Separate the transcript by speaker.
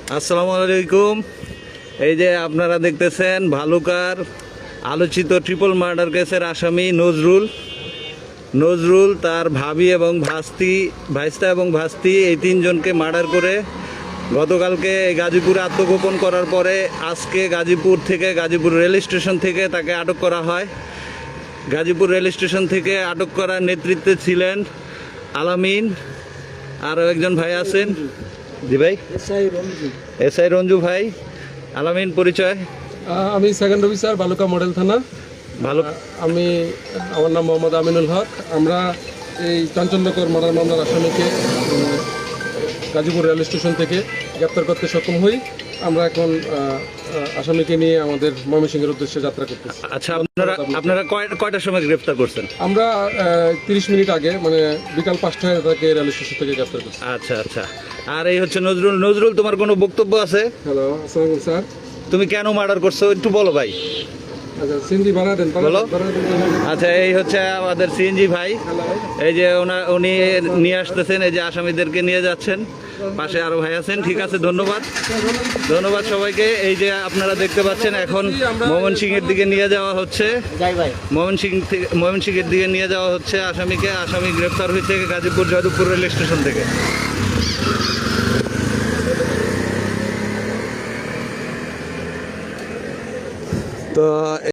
Speaker 1: আসসালামু আলাইকুম। এই যে আপনারা দেখতেছেন ভালুকার আলোচিত ট্রিপল মার্ডার কেসের আসামি নজরুল তার ভাবি এবং ভাইস্তা এবং ভাস্তি এই তিনজনকে মার্ডার করে গতকালকে গাজীপুরে আত্মগোপন করার পরে আজকে গাজীপুর রেল স্টেশন থেকে তাকে আটক করা হয়। গাজীপুর রেল স্টেশন থেকে আটক করার নেতৃত্বে ছিলেন আলামিন, আরও একজন ভাই আছেন। জি ভাই, এসআই রঞ্জু ভাই। আলামিন পরিচয়?
Speaker 2: আমি সেকেন্ড অফিসার ভালুকা মডেল থানা।
Speaker 1: ভালো।
Speaker 2: আমার নাম মোহাম্মদ আমিনুল হক। আমরা এই চাঞ্চল্যকর মার্ডার মামলার আসামিকে গাজীপুর রেল স্টেশন থেকে গ্রেপ্তার করতে সক্ষম হই। আমরা এখন আসামিকে নিয়ে আমাদের ময়মনসিংহের উদ্দেশ্যে যাত্রা করতেছি।
Speaker 1: আচ্ছা, আপনারা কয়টার সময় গ্রেপ্তার করছেন?
Speaker 2: আমরা 30 মিনিট আগে, মানে বিকাল 5টায় তাকে রেল স্টেশন থেকে গ্রেপ্তার করছি।
Speaker 1: আচ্ছা আচ্ছা। আর এই হচ্ছে নজরুল, তোমার কোনো বক্তব্য আছে?
Speaker 2: হ্যালো, আসসালামু স্যার।
Speaker 1: তুমি কেন মার্ডার করছো একটু বলো ভাই।
Speaker 2: আচ্ছা, সিন্ধি বানা দেন,
Speaker 1: বলো। আচ্ছা, এই হচ্ছে আমাদের সিএনজি ভাই। এই যে উনি নিয়ে আসতেছেন, এই যে আসামিদেরকে নিয়ে যাচ্ছেন। পাশে আরো ভাই আছেন। ঠিক আছে, ধন্যবাদ সবাইকে। এই যে আপনারা দেখতে পাচ্ছেন এখন ময়মনসিংহের দিকে নিয়ে যাওয়া হচ্ছে। ময়মনসিংহের দিকে নিয়ে যাওয়া হচ্ছে আসামিকে। আসামি গ্রেপ্তার হয়েছে গাজীপুর যাদবপুর রেল স্টেশন থেকে। তো